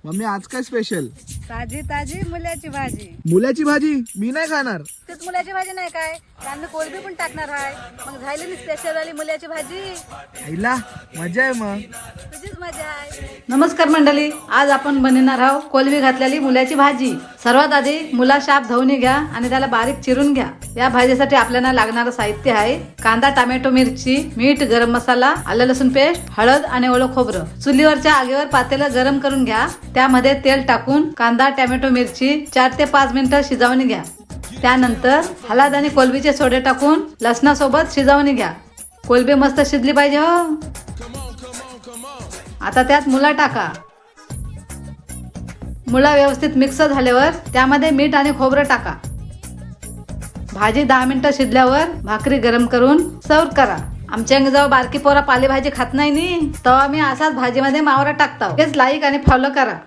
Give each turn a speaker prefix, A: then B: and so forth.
A: Mummy आज काय special?
B: ताजी ताजी मुल्याची भाजी.
A: मुलाची भाजी? मी नाही खाणार.
B: तेच मुल्याची भाजी नाही काय, त्यांनी कोलबी पण टाकणार आहे. मग झाली ना स्पेशल वाली मुल्याची भाजी.
A: आईला मजा आहे मग.
B: तुझीच मजा आहे.
C: नमस्कार मंडळी, आज आपण बनवणार आहोत कोलबी घातलेली मुल्याची भाजी. सर्वात आधी मुला शाप धुवून घ्या आणि त्याला बारीक चिरून घ्या. या भाजीसाठी आपल्याला लागणारं साहित्य आहे कांदा, टोमॅटो, मिरची, मीठ, गरम मसाला, आलं लसूण पेस्ट, हळद आणि ओलं खोबरं. चुलीवरच्या आगीवर पातेलं गरम करून घ्या. त्यामध्ये तेल टाकून कांदा, टोमॅटो, मिरची 4 ते 5 मिनिटं शिजवून घ्या. त्यानंतर हळद आणि कोलबीचे सोडे टाकून लसणासोबत शिजवून घ्या. कोलबी मस्त शिजली पाहिजे हो. आता त्यात मुला टाका. मुला व्यवस्थित मिक्स झाल्यावर त्यामध्ये मीठ आणि खोबरं टाका. भाजी 10 मिनिटं शिजल्यावर भाकरी गरम करून सर्व करा. आमच्या जेव्हा बारकी पोरा पालेभाजी खात नाही नी तेव्हा मी असाच भाजीमध्ये मावरा टाकतो. हेच लाईक आणि फॉलो करा.